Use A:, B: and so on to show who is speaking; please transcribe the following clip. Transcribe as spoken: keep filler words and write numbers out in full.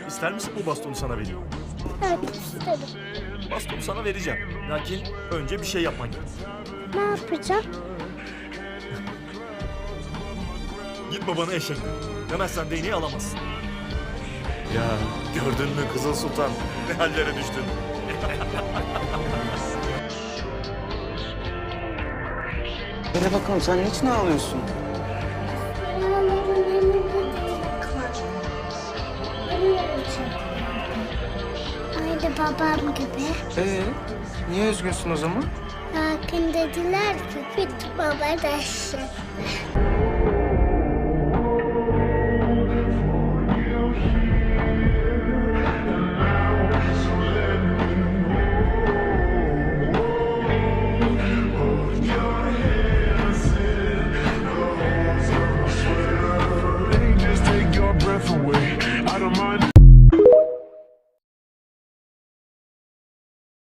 A: ister misin bu bastonu sana vereyim?
B: Evet isterim.
A: Bastonu sana vereceğim. Lakin önce bir şey yapman gerek.
B: Ne yapacağım?
A: Git babana eşek de. Demezsen değneği alamazsın. Ya gördün mü Kızıl Sultan? Ne hallere düştün?
C: Hele bakalım sen niçin ağlıyorsun?
B: Yaraların yanında değnek var. Ölüyorum. Aynı babam gibi.
C: Ee, niye üzgünsün o zaman?
B: Lakin dediler ki git baba dersin.